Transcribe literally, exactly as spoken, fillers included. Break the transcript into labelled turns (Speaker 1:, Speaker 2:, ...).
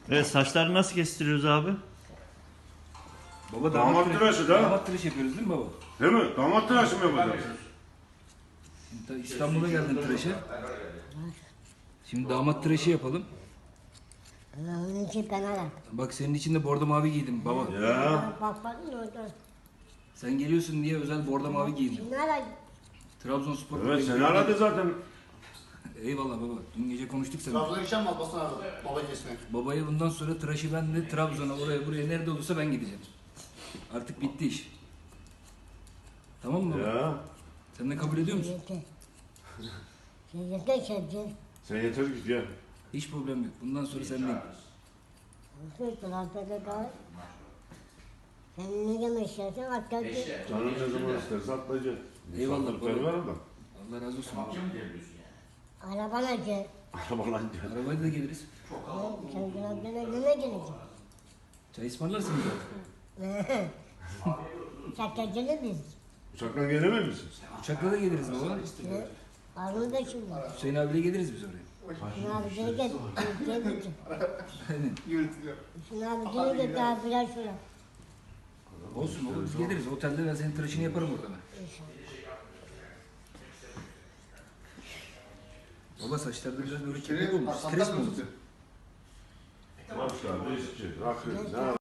Speaker 1: Evet, saçları nasıl kestiriyoruz abi?
Speaker 2: Baba
Speaker 3: Damat
Speaker 2: damat, tıraşı,
Speaker 3: tıraşı da.
Speaker 2: damat tıraşı yapıyoruz değil mi baba?
Speaker 3: Değil mi? Damat tıraşı mı yapacaksın?
Speaker 2: Şimdi ta- İstanbul'a geldin tıraşa. Şimdi damat tıraşı yapalım.
Speaker 4: Onun için fena yap.
Speaker 2: Bak senin için de bordo mavi giydim baba.
Speaker 3: Ya.
Speaker 4: Bak bak ne oldu?
Speaker 2: Sen geliyorsun diye özel bordo mavi giydim.
Speaker 4: Şimdi ara.
Speaker 2: Trabzonspor.
Speaker 3: Evet seni aradı zaten.
Speaker 2: Eyvallah baba. Dün gece konuştuk seninle.
Speaker 5: Trabzon'a gideceğim mi Abbas'ın abi? Baba kesmeye.
Speaker 2: Babaya bundan sonra tıraşı ben de Trabzon'a oraya buraya nerede olursa ben gideceğim. Artık bitti iş. Tamam mı baba?
Speaker 3: Ya.
Speaker 2: Sen de kabul ediyor musun?
Speaker 4: Yeter. Sen yeter sevdi.
Speaker 3: Sen yeter git ya.
Speaker 2: Hiç problem yok. Bundan sonra sendeyim.
Speaker 4: Olsun tarafta da. Sen ne demek istersen hatta ki.
Speaker 3: Canın ne zaman isterse atlayacaksın.
Speaker 2: Eyvallah
Speaker 3: Misafirlikler
Speaker 2: baba.
Speaker 3: var adam.
Speaker 2: Allah razı olsun baba.
Speaker 4: Arabana gel.
Speaker 3: Arabalan gel.
Speaker 2: Arabayla da geliriz.
Speaker 4: Sen taraftan evine geleceksin.
Speaker 2: Çay ısmarlarsın bize.
Speaker 4: Uçakta gelir miyiz?
Speaker 3: Uçakla gelemez misin?
Speaker 2: Uçakla da geliriz baba.
Speaker 4: Arını da şimdi.
Speaker 2: Hüseyin abiyle geliriz biz oraya.
Speaker 4: Şunu abi gel gel. Gel gel.
Speaker 2: Aynen.
Speaker 5: Yürütülüyor.
Speaker 4: Şunu abi gel gel daha biraz sonra.
Speaker 2: Olsun olur biz geliriz. Otelde ben senin tıraşını yaparım orada ben. Baba saçlarda biraz böyle kirli olmuş. Stres mi oldu?
Speaker 3: Başlar, değişikçi, rakı, ne